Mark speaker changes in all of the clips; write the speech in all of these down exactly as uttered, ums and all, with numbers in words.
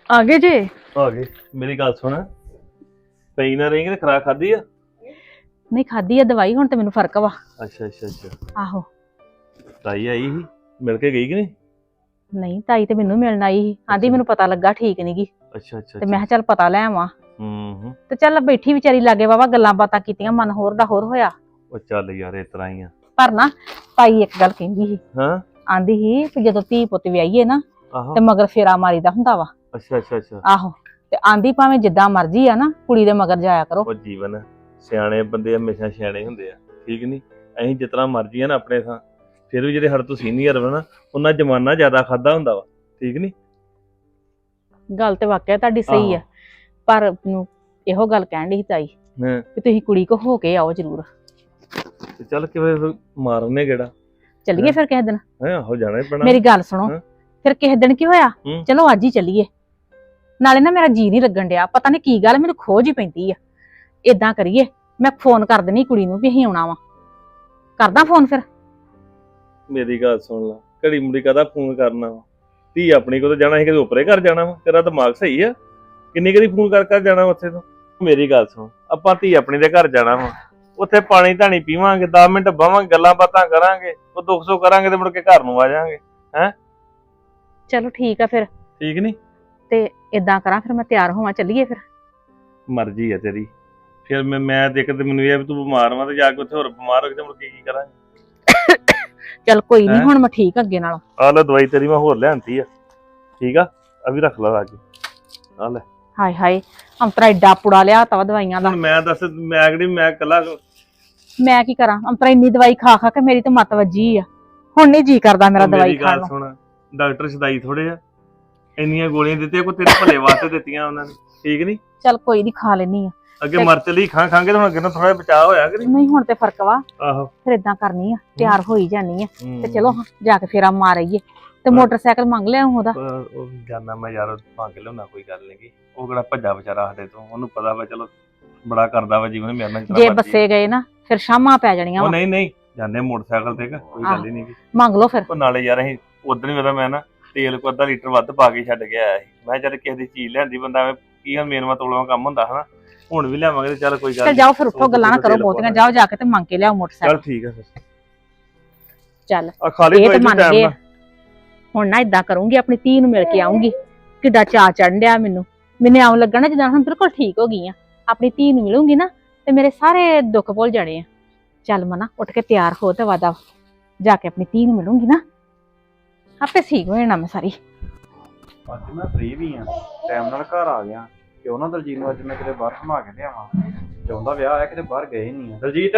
Speaker 1: ਆ ਗਏ ਜੇ?
Speaker 2: ਆ ਗਏ। ਮੇਰੀ ਗੱਲ ਸੁਣ, ਪਈ ਨਾ ਰਹੀ ਤੇ ਖਰਾਕ ਖਾਦੀ ਆ?
Speaker 1: ਨਹੀਂ ਖਾਦੀ ਆ ਦਵਾਈ, ਹੁਣ ਤੇ ਮੈਨੂੰ ਫਰਕ ਵਾ।
Speaker 2: ਅੱਛਾ ਅੱਛਾ ਅੱਛਾ।
Speaker 1: ਆਹੋ।
Speaker 2: ਤਾਈ ਆਈ ਸੀ, ਮਿਲ ਕੇ ਗਈ ਕਿ ਨਹੀਂ?
Speaker 1: ਨਹੀਂ ਤਾਈ ਤੇ ਮੈਨੂੰ ਮਿਲਣ ਆਈ ਸੀ, ਆਂਦੀ ਮੈਨੂੰ ਪਤਾ ਲੱਗਾ ਠੀਕ ਨੀ ਗੀ।
Speaker 2: ਅੱਛਾ ਅੱਛਾ
Speaker 1: ਤੇ ਮੈਂ ਕਿਹਾ ਚੱਲ ਪਤਾ ਲੈ ਆਵਾਂ।
Speaker 2: ਹੂੰ ਹੂੰ।
Speaker 1: ਤੇ ਚੱਲ ਬੈਠੀ ਵਿਚਾਰੀ ਲਾਗੇ ਵਾਵਾ ਗੱਲਾਂ ਬਾਤਾਂ ਕੀਤੀਆਂ, ਮਨ ਹੋਰ ਦਾ ਹੋਰ ਹੋਇਆ।
Speaker 2: ਉਹ ਚੱਲ ਯਾਰ ਇਸ ਤਰ੍ਹਾਂ ਹੀ ਆ।
Speaker 1: ਪਰ ਨਾ ਤਾਈ ਇੱਕ ਗੱਲ ਕਹਿੰਦੀ ਸੀ,
Speaker 2: ਹਾਂ।
Speaker 1: ਆਂਦੀ ਸੀ ਕਿ ਜਦੋਂ ਧੀ ਪੁੱਤ ਵਿਆਹੀਏ ਨਾ
Speaker 2: ਆਹੋ।
Speaker 1: ਤੇ ਮਗਰ ਫੇਰਾ ਮਾਰੀਦਾ ਹੁੰਦਾ ਵਾ।
Speaker 2: ਅੱਛਾ ਅੱਛਾ ਅੱਛਾ।
Speaker 1: ਆਹੋ। ਤੇ ਆਂਦੀ ਭਾਵੇਂ ਜਿੱਦਾਂ ਮਰਜ਼ੀ ਆ ਨਾ, ਕੁੜੀ ਦੇ ਮਗਰ ਜਾਇਆ ਕਰੋ।
Speaker 2: ਉਹ ਜੀਵਨ ਸਿਆਣੇ ਬੰਦੇ ਹਮੇਸ਼ਾ ਸਿਆਣੇ ਹੁੰਦੇ ਆ, ਠੀਕ ਨੀ? ਅਸੀਂ ਜਿਤਨਾ ਮਰਜ਼ੀ ਆ ਨਾ ਆਪਣੇ ਥਾਂ, ਫਿਰ ਵੀ ਜਿਹੜੇ ਸਾਡੇ ਤੋਂ ਸੀਨੀਅਰ ਵਾ ਨਾ, ਉਹਨਾਂ ਜ਼ਮਾਨਾ ਜ਼ਿਆਦਾ ਖਾਦਾ ਹੁੰਦਾ ਵਾ, ਠੀਕ ਨੀ?
Speaker 1: ਗੱਲ ਤੇ ਵਾਕਿਆ ਤੁਹਾਡੀ ਸਹੀ ਆ, ਪਰ ਮੈਨੂੰ ਇਹੋ ਗੱਲ ਕਹਿਣ ਡਈ ਸੀ ਤਾਈ
Speaker 2: ਹਾਂ
Speaker 1: ਕਿ ਤੁਸੀਂ ਕੁੜੀ ਕੋ ਹੋ ਕੇ ਆਓ ਜ਼ਰੂਰ।
Speaker 2: ਤੇ ਚੱਲ ਕਿਵੇਂ ਮਾਰਨੇ ਗੇੜਾ।
Speaker 1: ਚੱਲੀਏ ਫਿਰ ਕਿਸੇ ਦਿਨ।
Speaker 2: ਹੈ ਹੋ ਜਾਣਾ ਹੀ ਪੈਣਾ।
Speaker 1: ਮੇਰੀ ਗੱਲ ਸੁਣੋ, ਫਿਰ ਕਿਸੇ ਦਿਨ ਕੀ ਹੋਇਆ, ਚਲੋ ਅੱਜ ਹੀ ਚੱਲੀਏ। ਨਾਲੇ ਨਾ ਮੇਰਾ ਜੀ ਨਹੀਂ ਲੱਗਣ ਡਿਆ, ਪਤਾ ਨਹੀਂ ਕੀ ਗੱਲ, ਮੈਨੂੰ ਖੋਜ ਹੀ ਪੈਂਦੀ ਆ। ਏਦਾਂ ਕਰੀਏ, ਮੈਂ ਫੋਨ ਕਰ ਦੇਣੀ ਕੁੜੀ ਨੂੰ ਵੀ ਅਸੀਂ ਆਉਣਾ ਵਾ। ਕਰਦਾ ਫੋਨ ਫਿਰ।
Speaker 2: ਮੇਰੀ ਗੱਲ ਸੁਣ ਲਾ, ਘੜੀ ਮੁੜੀ ਕਾਹਦਾ ਫੋਨ ਕਰਨਾ ਵਾ? ਧੀ ਆਪਣੀ ਕੋਲ ਜਾਣਾ ਸੀ, ਕਦੇ ਉਪਰੇ ਘਰ ਜਾਣਾ ਵਾ? ਤੇਰਾ ਦਿਮਾਗ ਸਹੀ ਆ? ਕਿੰਨੀ ਕਦੀ ਫੋਨ ਕਰ ਕਰ ਜਾਣਾ ਉੱਥੇ ਤੋਂ? ਮੇਰੀ ਗੱਲ ਸੁਣ, ਆਪਾਂ ਧੀ ਆਪਣੀ ਦੇ ਘਰ ਜਾਣਾ ਵਾ, ਉੱਥੇ ਪਾਣੀ ਧਾਣੀ ਪੀਵਾਂਗੇ, ਦਸ ਮਿੰਟ ਬਵਾਂਗੇ, ਗੱਲਾਂ ਬਾਤਾਂ ਕਰਾਂਗੇ, ਉਹ ਦੁੱਖ ਸੁੱਖ ਕਰਾਂਗੇ ਤੇ ਮੁੜ ਕੇ ਘਰ ਨੂੰ ਆ ਜਾਾਂਗੇ। ਹੈ
Speaker 1: ਚਲੋ ਠੀਕ ਆ ਫਿਰ।
Speaker 2: ਠੀਕ ਨੀ?
Speaker 1: ਤੇ ਏਦਾਂ ਕਰਾਂ ਫਿਰ, ਮੈਂ ਤਿਆਰ ਹੋਵਾਂ, ਚੱਲੀਏ ਫਿਰ।
Speaker 2: ਮਰਜ਼ੀ ਆ ਤੇਰੀ। ਫਿਰ ਮੈਂ ਮੈਂ ਦੇਖ ਤੇ ਮੈਨੂੰ ਇਹ ਵੀ ਤੂੰ ਬਿਮਾਰ ਵਾ, ਤੇ ਜਾ ਕੇ ਉੱਥੇ ਹੋਰ ਬਿਮਾਰ ਹੋ ਕੇ ਤੇ ਮੁੜ ਕੇ ਕੀ ਕਰਾਂਗੇ?
Speaker 1: ਚੱਲ ਕੋਈ ਨਹੀਂ, ਹੁਣ ਮੈਂ ਠੀਕ ਅੱਗੇ ਨਾਲੋਂ।
Speaker 2: ਆ ਲੈ ਦਵਾਈ ਤੇਰੀ ਮੈਂ ਹੋਰ ਲਿਆਂਤੀ ਆ, ਠੀਕ ਆ? ਆ ਵੀ ਰੱਖ ਲਾ ਲਾ ਕੇ। ਆ ਲੈ।
Speaker 1: ਹਾਏ ਹਾਏ, ਅੰਤਰਾ ਏਡਾ ਪੁੜਾ ਲਿਆ ਤਾ ਦਵਾਈਆਂ ਦਾ।
Speaker 2: ਮੈਂ ਦੱਸ, ਮੈਂ ਕਿਹੜੀ ਮੈਂ ਇਕੱਲਾ
Speaker 1: ਮੈਂ ਕੀ ਕਰਾਂ? ਅੰਤਰਾ ਇੰਨੀ ਦਵਾਈ ਖਾ ਖਾ ਕੇ ਮੇਰੀ ਤੇ ਮੱਤ ਵੱਜੀ ਆ, ਹੁਣ ਨਹੀਂ ਜੀ ਕਰਦਾ ਮੇਰਾ ਦਵਾਈ ਖਾਣ ਨੂੰ।
Speaker 2: ਸੁਣ, ਡਾਕਟਰ ਸਦਾਈ ਥੋੜੇ ਆ, ਇੰਨੀਆਂ ਗੋਲੀਆਂ ਦਿੱਤੀਆਂ ਕੋਈ ਤੇਰੇ ਭਲੇ ਵਾਸਤੇ ਦਿੱਤੀਆਂ ਉਹਨਾਂ ਨੇ, ਠੀਕ ਨੀ?
Speaker 1: ਚੱਲ ਕੋਈ ਨਹੀਂ, ਖਾ ਲੈਣੀ ਆ।
Speaker 2: ਅੱਗੇ ਮਰ ਚਲੀ ਖਾਂ ਖਾਂਗੇ ਤੇ ਹੁਣ ਅੱਗੇ ਨੂੰ ਥੋੜਾ ਬਚਾਅ ਹੋਇਆ ਕਿ
Speaker 1: ਨਹੀਂ? ਹੁਣ ਤੇ ਫਰਕ ਵਾ।
Speaker 2: ਆਹੋ।
Speaker 1: ਫਿਰ ਏਦਾਂ ਕਰਨੀ ਆ, ਤਿਆਰ ਹੋਈ ਜਾਨੀ ਆ ਤੇ ਚਲੋ ਜਾ ਕੇ ਫੇਰਾ ਮਾਰ ਆਈਏ। ਤੇ ਮੋਟਰਸਾਈਕਲ ਮੰਗ ਲਿਆ ਉਹਦਾ।
Speaker 2: ਉਹ ਜਾਨਾ ਮੈਂ ਯਾਰ, ਮੰਗ ਲਿਆਉਣਾ, ਕੋਈ ਗੱਲ ਨੀ। ਉਹ ਕਿਹੜਾ ਭੱਜਾ ਵਿਚਾਰਾ ਸਾਡੇ ਤੋਂ, ਉਹਨੂੰ ਪਤਾ ਵਾ ਚਲੋ ਬੜਾ ਕਰਦਾ ਵਾ ਜੀਵਨ ਮੇਰੇ ਨਾਲ।
Speaker 1: ਜੇ ਬੱਸੇ ਗਏ ਨਾ ਫਿਰ ਸ਼ਾਮਾਂ ਪੈ ਜਾਣੀਆਂ ਵਾ।
Speaker 2: ਨਹੀਂ ਨਹੀਂ, ਜਾਂਦੇ ਮੋਟਰਸਾਈਕਲ ਤੇ, ਕੋਈ ਗੱਲ ਹੀ ਨਹੀਂ।
Speaker 1: ਮੰਗ ਲਓ ਫਿਰ।
Speaker 2: ਉਹ ਨਾਲੇ ਯਾਰ ਅਸੀਂ ਉਦੋਂ ਹੀ ਮੈਂ ਨਾ ਤੇਲ ਕੋ ਅੱਧਾ ਲੀਟਰ ਵੱਧ ਪਾ ਕੇ ਛੱਡ ਕੇ ਆਇਆ ਸੀ। ਮੈਂ ਚੱਲ ਕਿਸੇ ਦੀ ਚੀਜ਼ ਲਿਆਂਦੀ, ਬੰਦਾ ਕੀ ਮੇਨਵਾ ਤੋਲਵਾ ਕੰਮ ਹੁੰਦਾ ਹਨਾ। ਹੁਣ ਵੀ ਲਿਆਵਾਂਗੇ ਤੇ ਚੱਲ ਕੋਈ ਗੱਲ
Speaker 1: ਨਹੀਂ। ਜਾਓ ਫਿਰ, ਉੱਠੋ, ਗੱਲਾਂ ਨਾ ਕਰੋ ਬਹੁਤੀਆਂ, ਜਾਓ ਜਾ ਕੇ ਤੇ ਮੰਗ ਕੇ ਲਿਆਓ ਮੋਟਰਸਾਈਕਲ।
Speaker 2: ਚੱਲ ਠੀਕ ਆ ਫਿਰ।
Speaker 1: ਚੱਲ
Speaker 2: ਆ ਖਾਲੀ
Speaker 1: ਇਹ ਤੇ ਮੰਨ ਗਏ। ਹੁਣ ਨਾ ਏਦਾਂ ਕਰੂੰਗੀ, ਆਪਣੀ ਧੀ ਨੂੰ ਮਿਲ ਕੇ ਆਉਂਗੀ। ਕਿੱਡਾ ਚਾਅ ਚੜ੍ਹਨ ਡਿਆ ਮੈਨੂੰ, ਮੈਨੂੰ ਆਉਂ ਲੱਗਣਾ ਜਿੱਦਾਂ ਹੁਣ ਬਿਲਕੁਲ ਠੀਕ ਹੋ ਗਈ ਆ। ਆਪਣੀ ਧੀ ਨੂੰ ਮਿਲੂੰਗੀ ਨਾ ਤੇ ਮੇਰੇ ਸਾਰੇ ਦੁੱਖ ਭੁੱਲ ਜਾਣੇ ਆ। ਚੱਲ ਮਨਾ, ਉੱਠ ਕੇ ਤਿਆਰ ਹੋ ਤੇ ਵਾਦਾ ਜਾ ਕੇ ਆਪਣੀ ਧੀ ਨੂੰ ਮਿਲੂੰਗੀ ਨਾ, ਆਪੇ ਠੀਕ ਹੋ ਜਾਣਾ ਮੈਂ ਸਾਰੀ।
Speaker 3: ਅੱਜ ਮੈਂ ਫ੍ਰੀ ਵੀ ਆ, ਟਾਈਮ ਨਾਲ ਘਰ ਆ ਗਿਆ। ਕਿਉਂ ਨਾ ਦਲਜੀਤ ਨੂੰ ਅੱਜ ਮੈਂ ਕਿਤੇ ਬਾਹਰ ਘੁਮਾ ਕੇ ਲਿਆਵਾਂ। ਚਾਹੁੰਦਾ ਵਿਆਹ ਆਇਆ, ਕਿਤੇ ਬਾਹਰ ਗਏ ਨਹੀਂ ਆ। ਦਲਜੀਤ,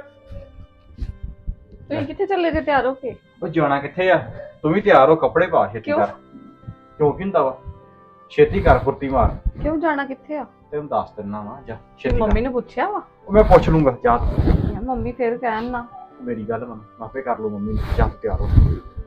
Speaker 4: ਤੁਸੀਂ ਕਿੱਥੇ ਚੱਲੇ ਜੇ ਤਿਆਰ ਹੋ ਕੇ?
Speaker 3: ਉਹ ਜਾਣਾ ਕਿੱਥੇ ਆ? ਤੂੰ ਵੀ ਤਿਆਰ ਹੋ, ਕੱਪੜੇ ਪਾ, ਛੇਤੀ ਕਰ। ਕਿਉਂ ਕੀ ਹੁੰਦਾ ਵਾ? ਛੇਤੀ ਕਰ, ਫੁਰਤੀ ਮਾਰ।
Speaker 4: ਕਿਉਂ ਜਾਣਾ ਕਿੱਥੇ ਆ?
Speaker 3: ਤੈਨੂੰ ਦੱਸ ਦਿੰਦਾ ਵਾ, ਜਾ ਛੇਤੀ
Speaker 4: ਮੰਮੀ ਨੇ ਪੁੱਛਿਆ ਵਾ?
Speaker 3: ਉਹ ਮੈਂ ਪੁੱਛ ਲੂੰਗਾ, ਜਾ।
Speaker 4: ਮੰਮੀ ਫੇਰ ਕਹਿਣ ਨਾ।
Speaker 3: ਮੇਰੀ ਗੱਲ ਮੰਨ, ਆਪੇ ਕਰ ਲੂ ਮੰਮੀ ਨੂੰ। ਜਾ ਤਿਆਰ ਹੋ।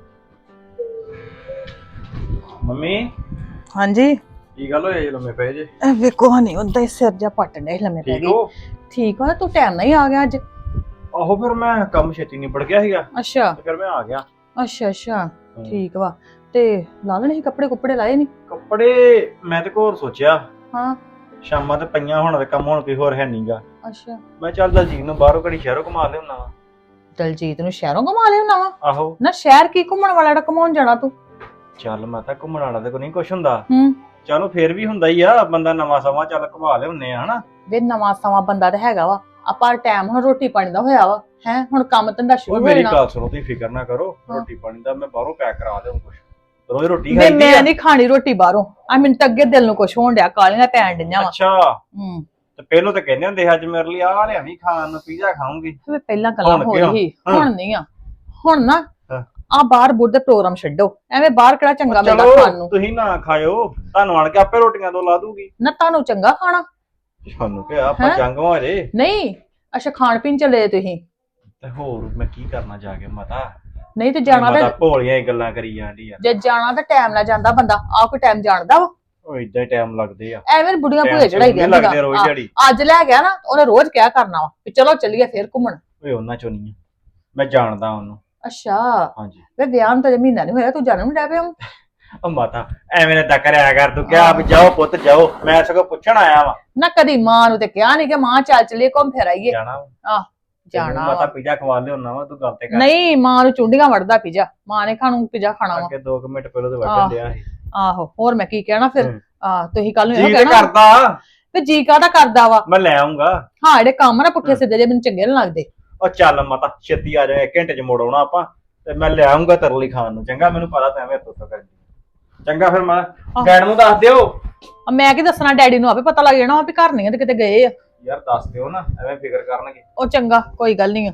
Speaker 3: ਮੰਮੀ।
Speaker 1: ਹਾਂਜੀ।
Speaker 3: ਕੀ ਗੱਲ ਹੋਈ ਲੰਮੇ ਪਏ ਜੇ?
Speaker 1: ਵੇਖੋ ਹਨੀ ਉਦਾਂ ਹੀ ਸਿਰ ਜਾ ਪੱਟਣ ਡਿਆ ਲੰਮੇ ਪੈ ਗਈ। ਠੀਕ ਹੋ? ਤੂੰ ਟਾਈਮ ਨਾਲ ਹੀ ਆ ਗਿਆ ਅੱਜ।
Speaker 3: ਆਹੋ, ਫਿਰ ਮੈਂ ਕੰਮ ਛੇਤੀ ਨਿਬੜ ਗਿਆ ਸੀਗਾ।
Speaker 1: ਅੱਛਾ।
Speaker 3: ਫਿਰ ਮੈਂ ਆ ਗਿਆ।
Speaker 1: ਅੱਛਾ ਅੱਛਾ, ਠੀਕ ਵਾ। ਤੇ ਲਾ ਲੈਣੇ ਸੀ ਕੱਪੜੇ ਕੁੱਪੜੇ, ਲਾਏ ਨਹੀਂ?
Speaker 3: ਕੱਪੜੇ ਮੈਂ ਤੇ ਹੋਰ ਸੋਚਿਆ।
Speaker 1: ਹਾਂ।
Speaker 3: ਸ਼ਾਮਾਂ ਤੇ ਪਈਆਂ, ਹੁਣ ਤੇ ਕੰਮ ਹੁਣ ਕੋਈ ਹੋਰ ਹੈ ਨਹੀਂਗਾ।
Speaker 1: ਅੱਛਾ।
Speaker 3: ਮੈਂ ਚੱਲ ਦਲਜੀਤ ਨੂੰ ਬਾਹਰੋਂ ਘੜੀ ਸ਼ਹਿਰੋਂ ਘੁਮਾ ਲਿਆਉਣਾ ਵਾ।
Speaker 1: ਦਲਜੀਤ ਨੂੰ ਸ਼ਹਿਰੋਂ ਘੁਮਾ ਲਿਆਉਣਾ ਵਾ?
Speaker 3: ਆਹੋ।
Speaker 1: ਨਾ ਸ਼ਹਿਰ ਕੀ ਘੁੰਮਣ ਵਾਲਾ ਜਿਹੜਾ ਘੁਮਾਉਣ ਜਾਣਾ ਤੂੰ?
Speaker 3: ਚੱਲ ਮੈਂ ਤਾਂ ਘੁੰਮਣ ਵਾਲਾ ਤੇ ਕੋਈ ਨਹੀਂ ਕੁਛ ਹੁੰਦਾ।
Speaker 1: ਹੂੰ।
Speaker 3: ਚਲੋ ਫੇਰ ਵੀ ਹੁੰਦਾ ਹੀ ਆ, ਬੰਦਾ ਨਵਾਂ ਸਮਾਂ ਚੱਲ ਘੁਮਾ ਲਿਆਉਨੇ ਆ ਹਨਾ।
Speaker 1: ਵੇ ਨਵਾਂ ਸਮਾਂ ਬੰਦਾ ਤੇ ਹੈਗਾ ਵਾ, ਆਪਾਂ ਟਾਈਮ ਹੁਣ ਰੋਟੀ ਪਾਣੀ ਦਾ ਹੋਇਆ ਵਾ ਹੈ, ਹੁਣ ਕੰਮ ਧੰਦਾ ਸ਼ੁਰੂ ਹੋ ਜਾਣਾ।
Speaker 3: ਮੇਰੀ ਗੱਲ ਸੁਣੋ, ਤੁਸੀਂ ਫਿਕਰ ਨਾ ਕਰੋ, ਰੋਟੀ ਪਾਣੀ ਦਾ ਮੈਂ ਬਾਹਰੋਂ ਪੈਕ ਕਰਾ ਦੇਵਾਂ ਕੁਛ। ਰੋਜ਼ ਰੋਟੀ
Speaker 1: ਖਾਈ ਮੈਂ ਨਹੀਂ ਖਾਣੀ ਰੋਟੀ ਬਾਹਰੋਂ। ਆ ਮੈਨੂੰ ਤਾਂ ਅੱਗੇ ਦਿਲ ਨੂੰ ਕੁਛ ਹੋਣ ਡਿਆ, ਕਾਲੀਆਂ ਪੈਣ ਡਈਆਂ ਵਾ।
Speaker 3: ਅੱਛਾ।
Speaker 1: ਹੂੰ।
Speaker 3: ਤੇ ਪਹਿਲਾਂ ਤਾਂ ਕਹਿੰਦੇ ਹੁੰਦੇ ਅੱਜ ਮੇਰੇ ਲਈ ਆਹ ਲਿਆਵੀਂ ਖਾਣ ਨੂੰ, ਪੀਜ਼ਾ ਖਾਊਂਗੀ।
Speaker 1: ਵੇ ਪਹਿਲਾਂ ਗੱਲਾਂ ਹੋ ਰਹੀ, ਹੁਣ ਨਹੀਂ ਆ। ਹੁਣ ਨਾ ਆ ਬਾਹਰ ਬੁੱਧ ਦੇ ਪ੍ਰੋਗਰਾਮ ਛੱਡੋ, ਐਵੇਂ ਬਾਹਰ ਕਿਹੜਾ ਚੰਗਾ ਮਿਲਦਾ ਖਾਣ ਨੂੰ।
Speaker 3: ਤੁਸੀਂ ਨਾ ਖਾਇਓ, ਤੁਹਾਨੂੰ ਆਣ ਕੇ ਆਪੇ ਰੋਟੀਆਂ ਤੋਂ ਲਾ ਦੂਗੀ
Speaker 1: ਨਾ। ਤੁਹਾਨੂੰ ਚੰਗਾ ਖਾਣਾ?
Speaker 3: ਸਾਨੂੰ ਕਿਹਾ ਆਪਾਂ ਜੰਗਵਾ ਜੇ
Speaker 1: ਨਹੀਂ। ਅੱਛਾ, ਖਾਣ ਪੀਣ ਚੱਲੇ ਤੁਸੀਂ?
Speaker 3: ਤੇ ਹੋਰ ਮੈਂ ਕੀ ਕਰਨਾ ਜਾ ਕੇ ਮਾਤਾ?
Speaker 1: ਨਹੀਂ ਤੇ ਜਾਣਾ ਤਾਂ
Speaker 3: ਭੋਲੀਆਂ ਹੀ ਗੱਲਾਂ ਕਰੀ ਜਾਂਦੀ ਆ।
Speaker 1: ਜੇ ਜਾਣਾ ਤਾਂ ਟਾਈਮ ਨਾਲ ਜਾਂਦਾ ਬੰਦਾ, ਆ ਕੋਈ ਟਾਈਮ ਜਾਣਦਾ ਵਾ?
Speaker 3: ਉਹ ਇਦਾਂ ਹੀ ਟਾਈਮ ਲੱਗਦੇ ਆ,
Speaker 1: ਐਵੇਂ ਬੁੜੀਆਂ ਭੂਏ ਚੜਾਈ
Speaker 3: ਲੱਗਦੇ ਰੋਜ਼ ਦਿਹਾੜੀ।
Speaker 1: ਅੱਜ ਲੈ ਗਿਆ ਨਾ, ਉਹਨੇ ਰੋਜ਼ ਕਿਹਾ ਕਰਨਾ ਵਾ ਵੀ ਚਲੋ ਚੱਲੀਏ ਫੇਰ ਘੁੰਮਣ।
Speaker 3: ਓਏ ਉਹਨਾਂ ਚੋਂ ਨਹੀਂ, ਮੈਂ ਜਾਣਦਾ ਉਹਨੂੰ।
Speaker 1: ਅੱਛਾ।
Speaker 3: ਹਾਂਜੀ।
Speaker 1: ਵੇ ਵਿਆਹ ਨੂੰ ਤਾਂ ਮਹੀਨਾ ਨਹੀਂ ਹੋਇਆ, ਤੂੰ ਜਾਣ ਨੂੰ ਡੈ ਪਿਆ?
Speaker 3: ਉਹ ਮਾਤਾ ਐਵੇਂ ਨਾ ਤਾਂ ਕਰਿਆ ਕਰ ਤੂੰ ਕਿਹਾ ਵੀ ਜਾਓ ਪੁੱਤ ਜਾਓ ਮੈਂ ਸਗੋਂ ਪੁੱਛਣ ਆਇਆ ਵਾਂ
Speaker 5: ਨਾ ਕਦੀ ਮਾਂ ਨੂੰ ਤੇ ਕਿਹਾ ਨਹੀਂ ਕਿ ਮਾਂ ਚੱਲ ਚਲੀਏ ਘੁੰਮ ਫਿਰ ਆਈਏ
Speaker 3: ਜਾਣਾ ਵਾ।
Speaker 5: ਆਹ ਜਾਣਾ
Speaker 3: ਮਾਤਾ
Speaker 5: ਵਾ।
Speaker 3: ਪੀਜ਼ਾ ਖਵਾ ਲਿਆਉਣਾ ਵਾ ਤੂੰ ਗੱਲ ਤੇ ਕਰ
Speaker 5: ਨਹੀਂ ਮਾਂ ਨੂੰ ਚੁੰਡੀਆਂ ਵੜਦਾ ਪੀਜਾ ਮਾਂ ਨੇ ਖਾਣੂ ਪੀਜਾ ਖਾਣਾ ਵਾ
Speaker 3: ਅੱਗੇ ਦੋ ਕੁ ਮਿੰਟ ਪਹਿਲਾਂ ਤੇ
Speaker 5: ਆਹ।
Speaker 3: ਵੱਢਣ ਡਿਆ ਸੀ
Speaker 5: ਆਹੋ ਹੋਰ ਮੈਂ ਕੀ ਕਹਿਣਾ ਫਿਰ
Speaker 3: ਹੂੰ।
Speaker 5: ਆ ਤੁਸੀਂ ਕੱਲ ਨੂੰ
Speaker 3: ਜੀ
Speaker 5: ਇਹੋ
Speaker 3: ਤੇ
Speaker 5: ਕਹਿਣਾ
Speaker 3: ਕਰਦਾ
Speaker 5: ਤੇ ਜੀ ਕਾਹਦਾ ਕਰਦਾ ਵਾ
Speaker 3: ਮੈਂ ਲੈ ਆਉਂਗਾ
Speaker 5: ਹਾਂ ਜਿਹੜੇ ਕੰਮ ਨਾ ਪੁੱਠੇ ਸਿੱਧੇ ਜੇ ਮੈਨੂੰ ਚੰਗੇ ਨੀ ਲੱਗਦੇ
Speaker 3: ਉਹ ਚੱਲ ਮਾਤਾ ਛੇਤੀ ਆ ਜਾ ਇੱਕ ਘੰਟੇ ਚ ਮੋੜ ਆਉਣਾ ਆਪਾਂ ਤੇ ਮੈਂ ਲੈ ਆਉਂਗਾ ਤਰਲੀ ਖਾਣ ਨੂੰ ਚੰਗਾ ਮੈਨੂੰ ਪਤਾ ਤਾਂ ਐਵੇਂ ਤੂੰ ਤਾਂ ਕਰਦੀ ਚੰਗਾ ਫਿਰ ਮੈਂ ਡੈਡ ਨੂੰ ਦੱਸ ਦਿਓ
Speaker 5: ਆ ਮੈਂ ਕੀ ਦੱਸਣਾ ਡੈਡੀ ਨੂੰ ਆਪੇ ਪਤਾ ਲੱਗ ਜਾਣਾ ਵਾ ਵੀ ਘਰ ਨਹੀਂ ਆ ਤੇ ਕਿਤੇ ਗਏ ਆ
Speaker 3: ਯਾਰ ਦੱਸ ਦਿਓ ਨਾ ਐਵੇਂ ਫਿਕਰ ਕਰਨਗੇ
Speaker 5: ਉਹ ਚੰਗਾ ਕੋਈ ਗੱਲ ਨਹੀਂ ਆ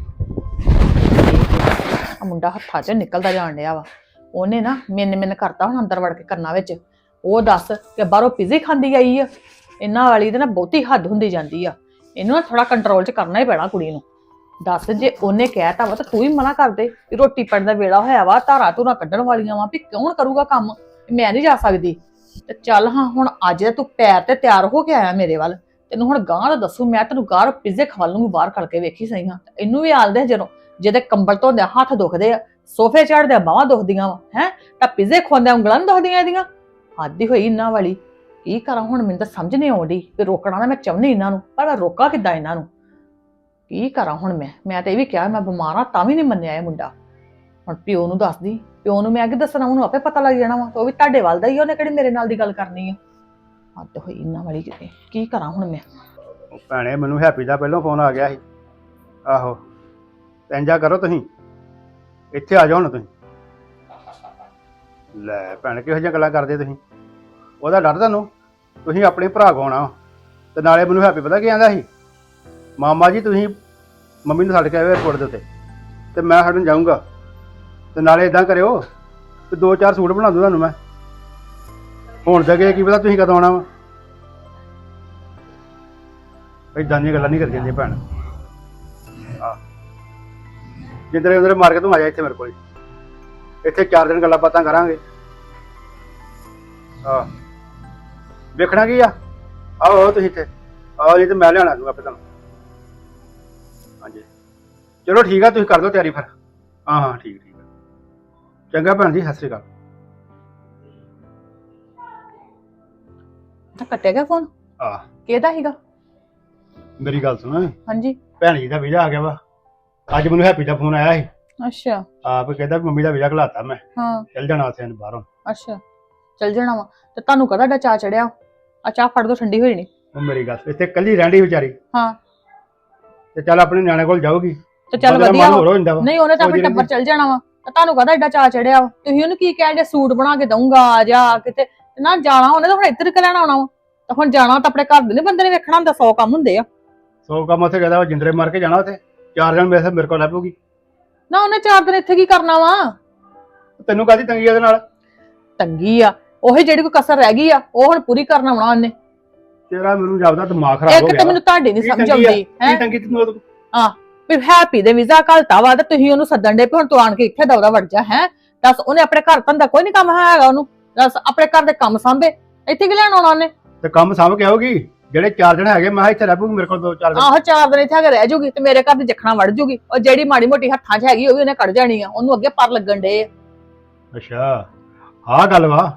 Speaker 5: ਆ ਮੁੰਡਾ ਹੱਥਾਂ 'ਚ ਨਿਕਲਦਾ ਜਾਣ ਡਿਆ ਵਾ ਉਹਨੇ ਨਾ ਮਿੰਨ ਮਿੰਨ ਕਰਤਾ ਹੁਣ ਅੰਦਰ ਵੜ ਕੇ ਕੰਨਾਂ ਵਿੱਚ ਉਹ ਦੱਸ ਕਿ ਬਾਹਰੋਂ ਪੀਜ਼ੇ ਖਾਂਦੀ ਆਈ ਆ ਇਹਨਾਂ ਵਾਲੀ ਤੇ ਨਾ ਬਹੁਤੀ ਹੱਦ ਹੁੰਦੀ ਜਾਂਦੀ ਆ ਇਹਨੂੰ ਨਾ ਥੋੜਾ ਕੰਟਰੋਲ 'ਚ ਕਰਨਾ ਹੀ ਪੈਣਾ ਕੁੜੀ ਨੂੰ ਦੱਸ ਜੇ ਉਹਨੇ ਕਹਿਤਾ ਵਾ ਤਾਂ ਤੂੰ ਹੀ ਮਨਾ ਕਰ ਦੇ ਵੀ ਰੋਟੀ ਪਾਣੀ ਦਾ ਵੇਲਾ ਹੋਇਆ ਵਾ ਧਾਰਾਂ ਧੂਰਾਂ ਕੱਢਣ ਵਾਲੀਆਂ ਵਾ ਵੀ ਕੌਣ ਕਰੂਗਾ ਕੰਮ ਮੈਂ ਨਹੀਂ ਜਾ ਸਕਦੀ ਤੇ ਚੱਲ ਹਾਂ ਹੁਣ ਅੱਜ ਤੂੰ ਪੈਰ ਤੇ ਤਿਆਰ ਹੋ ਕੇ ਆਇਆ ਮੇਰੇ ਵੱਲ ਤੈਨੂੰ ਹੁਣ ਗਾਂ ਦਾ ਦੱਸੂ ਮੈਂ ਤੈਨੂੰ ਗਾਰ ਪੀਜ਼ੇ ਖਵਾ ਲੂੰਗੀ ਬਾਹਰ ਖੜ ਕੇ ਵੇਖੀ ਸਹੀ ਹਾਂ ਇਹਨੂੰ ਵੀ ਆਲਦੇ ਜਦੋਂ ਜਿਹਦੇ ਕੰਬਲ ਧੋਂਦੇ ਹੱਥ ਦੁਖਦੇ ਆ ਸੋਫੇ ਚੜਦੇ ਬਾਹਾਂ ਦੁਖਦੀਆਂ ਵਾ ਹੈ ਤਾਂ ਪੀਜ਼ੇ ਖਵਾਉਂਦੇ ਉਂਗਲਾਂ ਨੀ ਦੁਖਦੀਆਂ ਇਹਦੀਆਂ ਆਦੀ ਹੋਈ ਇਹਨਾਂ ਵਾਲੀ ਕੀ ਕਰਾਂ ਹੁਣ ਮੈਨੂੰ ਤਾਂ ਸਮਝ ਨਹੀਂ ਆਉਂਦੀ ਕਿ ਰੋਕਣਾ ਤਾਂ ਮੈਂ ਚਾਹੁੰਦੀ ਇਹਨਾਂ ਨੂੰ ਪਰ ਮੈਂ ਰੋਕਾਂ ਕਿੱਦਾਂ ਇਹਨਾਂ ਨੂੰ ਕੀ ਕਰਾਂ ਹੁਣ ਮੈਂ ਮੈਂ ਤਾਂ ਇਹ ਵੀ ਕਿਹਾ ਮੈਂ ਬਿਮਾਰ ਆ ਤਾਂ ਵੀ ਨਹੀਂ ਮੰਨਿਆ ਇਹ ਮੁੰਡਾ ਹੁਣ ਪਿਓ ਨੂੰ ਦੱਸਦੀ ਪਿਓ ਨੂੰ ਮੈਂ ਅੱਗੇ ਦੱਸਣਾ ਉਹਨੂੰ ਆਪੇ ਪਤਾ ਲੱਗ ਜਾਣਾ ਵਾ ਤੇ ਉਹ ਵੀ ਤੁਹਾਡੇ ਵੱਲ ਦਾ ਹੀ ਉਹਨੇ ਕਿਹੜੀ ਮੇਰੇ ਨਾਲ ਦੀ ਗੱਲ ਕਰਨੀ ਆ ਹੱਦ ਹੋਈ ਇਹਨਾਂ ਵਾਲੀ ਕਿਤੇ ਕੀ ਕਰਾਂ ਹੁਣ ਮੈਂ
Speaker 6: ਉਹ ਭੈਣੇ ਮੈਨੂੰ ਹੈਪੀ ਦਾ ਪਹਿਲਾਂ ਫੋਨ ਆ ਗਿਆ ਸੀ ਆਹੋ ਤੇ ਇੰਜਾ ਕਰੋ ਤੁਸੀਂ ਇੱਥੇ ਆ ਜਾਓ ਹੁਣ ਤੁਸੀਂ ਲੈ ਭੈਣ ਕਿਹੋ ਜਿਹੀਆਂ ਗੱਲਾਂ ਕਰਦੇ ਤੁਸੀਂ ਉਹਦਾ ਡਰ ਤੁਹਾਨੂੰ ਤੁਸੀਂ ਆਪਣੇ ਭਰਾ ਕੋਲ ਆਉਣਾ ਤੇ ਨਾਲੇ ਮੈਨੂੰ ਹੈਪੀ ਪਤਾ ਕੀ ਆਂਦਾ ਸੀ ਮਾਮਾ ਜੀ ਤੁਸੀਂ ਮੰਮੀ ਨੂੰ ਛੱਡ ਕੇ ਆਏ ਏਅਰਪੋਰਟ ਦੇ ਉੱਤੇ ਤੇ ਮੈਂ ਛੱਡਣ ਜਾਊਂਗਾ ਤੇ ਨਾਲੇ ਇਦਾਂ ਕਰਿਓ ਤੇ ਦੋ ਚਾਰ ਸੂਟ ਬਣਾ ਦੂੰ ਤੁਹਾਨੂੰ ਮੈਂ ਹੁਣ ਤੱਕ ਕੀ ਪਤਾ ਤੁਸੀਂ ਕਦੋਂ ਆਉਣਾ ਵਾ ਏਦਾਂ ਦੀਆਂ ਗੱਲਾਂ ਨਹੀਂ ਕਰਦੀਆਂ ਜੀ ਭੈਣ ਆ ਜਿੱਦਰੇ ਉਧਰੇ ਮਾਰ ਕੇ ਤੂੰ ਆ ਜਾ ਇੱਥੇ ਮੇਰੇ ਕੋਲ ਇੱਥੇ ਚਾਰ ਦਿਨ ਗੱਲਾਂ ਬਾਤਾਂ ਕਰਾਂਗੇ ਆ ਵੇਖਣਾ ਕੀ ਆ ਆਓ ਤੁਸੀਂ ਇੱਥੇ ਆਓ ਨਹੀਂ ਤੇ ਮੈਂ ਲਿਆਣਾ ਦੂੰਗਾ ਆਪੇ ਤੁਹਾਨੂੰ ਹਾਂਜੀ ਚਲੋ ਠੀਕ ਆ ਤੁਸੀਂ ਕਰ ਦਿਓ ਤਿਆਰੀ ਫਿਰ ਹਾਂ ਹਾਂ ਠੀਕ ਠੀਕ ਚੰਗਾ ਭੈਣ ਜੀ ਸਤਿ ਸ਼੍ਰੀ ਅਕਾਲ
Speaker 5: ਤਾਂ ਕੱਟਿਆ ਗਿਆ ਫੋਨ
Speaker 6: ਆ
Speaker 5: ਕਿਹਦਾ ਸੀਗਾ
Speaker 6: ਮੇਰੀ ਗੱਲ ਸੁਣ
Speaker 5: ਹਾਂਜੀ
Speaker 6: ਭੈਣ ਜੀ ਦਾ ਵੀਜ਼ਾ ਆ ਗਿਆ ਵਾ ਅੱਜ ਮੈਨੂੰ ਹੈਪੀ ਦਾ ਫੋਨ ਆਇਆ ਸੀ
Speaker 5: ਅੱਛਾ
Speaker 6: ਆਪ ਕਹਿੰਦਾ ਵੀ ਮੰਮੀ ਦਾ ਵੀਜ਼ਾ ਘਲਾਤਾ ਮੈਂ
Speaker 5: ਹਾਂ
Speaker 6: ਚੱਲ ਜਾਣਾ ਉੱਥੇ ਬਾਹਰੋਂ
Speaker 5: ਅੱਛਾ ਚੱਲ ਜਾਣਾ ਵਾ ਤੇ ਤੁਹਾਨੂੰ ਕਦਾ ਡਾ ਚਾਹ ਚੜਿਆ ਆ ਚਾਹ ਫੜ ਦੋ ਠੰਡੀ ਹੋਈ ਨਹੀਂ
Speaker 6: ਉਹ ਮੇਰੀ ਗੱਲ ਇੱਥੇ ਕੱਲੀ ਰਹਿੰਦੀ ਵਿਚਾਰੀ
Speaker 5: ਹਾਂ
Speaker 6: ਤੇ ਚੱਲ ਆਪਣੇ ਨਿਆਣੇ ਕੋਲ ਜਾਊਗੀ
Speaker 5: ਤੇ ਚੱਲ
Speaker 6: ਬੰਦੇ ਦਾ
Speaker 5: ਵਧੀਆ
Speaker 6: ਮਨ
Speaker 5: ਵਾ।
Speaker 6: ਹੋਰ ਹੋ ਜਾਂਦਾ ਵਾ
Speaker 5: ਨਹੀਂ ਉਹਨੇ ਤਾਂ ਆਪਣੇ
Speaker 6: ਸੋਚਦੀ
Speaker 5: ਟੱਬਰ ਚੱਲ ਜਾਣਾ ਵਾ ਤੇ ਤੁਹਾਨੂੰ ਕਹਦਾ ਏਡਾ ਚਾਹ ਚੜਿਆ ਵਾ ਤੁਸੀਂ ਉਹਨੂੰ ਕੀ ਕਹਿੰਦੇ ਸੂਟ ਬਣਾ ਕੇ ਦਊਂਗਾ ਆ ਜਾ ਕਿਤੇ ਤੇ ਨਾ ਜਾਣਾ ਉਹਨੇ ਤਾਂ ਹੁਣ ਇੱਧਰ ਕਿ ਲੈਣਾ ਆਉਣਾ ਵਾ ਤਾਂ ਹੁਣ ਜਾਣਾ ਤਾਂ ਆਪਣੇ ਘਰ ਦੇ ਨੀ ਬੰਦੇ ਨੇ ਵੇਖਣਾ ਹੁੰਦਾ ਸੌ ਕੰਮ ਹੁੰਦੇ ਆ
Speaker 6: ਸੌ ਕੰਮ ਉੱਥੇ ਕਹਿੰਦਾ ਜਿੰਦਰੇ ਮਾਰ ਕੇ ਜਾਣਾ ਉੱਥੇ ਚਾਰ ਦਿਨ ਮੇਰੇ ਮੇਰੇ ਕੋਲ ਲੱਭੂਗੀ
Speaker 5: ਨਾ ਉਹਨੇ ਚਾਰ ਦਿਨ ਇੱਥੇ ਕੀ ਕਰਨਾ ਵਾ
Speaker 6: ਤੈਨੂੰ ਕਾਹਦੀ ਤੰਗੀ ਉਹਦੇ ਨਾਲ
Speaker 5: ਤੰਗੀ ਆ ਉਹੀ ਜਿਹੜੀ ਕੋਈ ਕਸਰ ਰਹਿ ਗਈ ਆ ਉਹ ਹੁਣ ਪੂਰੀ ਕਰਨਾ ਆਉਣਾ ਉਹਨੇ
Speaker 6: ਤੇਰਾ ਮੈਨੂੰ ਜਾਪਦਾ ਦਿਮਾਗ ਖਰਾਬ ਹੋ
Speaker 5: ਇੱਕ
Speaker 6: ਗਿਆ
Speaker 5: ਤਾਂ ਮੈਨੂੰ ਤੁਹਾਡੀ ਨਹੀਂ
Speaker 6: ਕੀ
Speaker 5: ਸਮਝ
Speaker 6: ਤੰਗੀ ਆ?
Speaker 5: ਆਉਂਦੀ ਹੈ
Speaker 6: ਕੀ ਤੰਗੀ ਤੈਨੂੰ ਉਹਦੇ ਕੋਲ?
Speaker 5: ਵੀ ਹੈਪੀ ਦੇ ਵੀਜ਼ਾ ਘਲਤਾ ਵਾ ਤੇ ਤੁਸੀਂ ਉਹਨੂੰ ਸੱਦਣ ਦੇ ਹੁਣ ਤੂੰ ਆਣ ਕੇ ਇੱਥੇ ਦੌੜਾ ਵੜ ਜਾ ਹੈ ਦੱਸ ਉਹਨੇ ਆਪਣੇ ਘਰ ਧੰਦਾ ਕੋਈ ਨਹੀਂ ਕੰਮ ਹੈਗਾ ਉਹਨੂੰ ਦੱਸ ਆਪਣੇ ਘਰ ਦੇ ਕੰਮ ਸਾਂਭੇ ਇੱਥੇ ਕੀ ਲੈਣ ਆਉਣਾ ਉਹਨੇ
Speaker 6: ਤੇ ਕੰਮ ਸਾਂਭ ਕੇ ਆਉਗੀ ਜਿਹੜੇ ਚਾਰ ਦਿਨ ਹੈਗੇ ਮੈਂ ਕਿਹਾ ਇੱਥੇ ਲੱਭੂਗੀ ਮੇਰੇ ਕੋਲ ਦੋ ਚਾਰ ਦਿਨ
Speaker 5: ਆਹੋ ਚਾਰ ਦਿਨ ਇੱਥੇ ਹੈਗੇ ਰਹਿ ਜੂਗੀ ਤੇ ਮੇਰੇ ਘਰ ਦੀ ਜਖਣਾ ਵੜ ਜੂਗੀ ਉਹ ਜਿਹੜੀ ਮਾੜੀ ਮੋਟੀ ਹੱਥਾਂ 'ਚ ਹੈਗੀ ਉਹ ਵੀ ਉਹਨੇ ਕੱਢ ਜਾਣੀ ਆ ਉਹਨੂੰ ਅੱਗੇ ਪਰ ਲੱਗਣ ਡੇ
Speaker 6: ਅੱਛਾ ਆਹ ਗੱਲ ਵਾ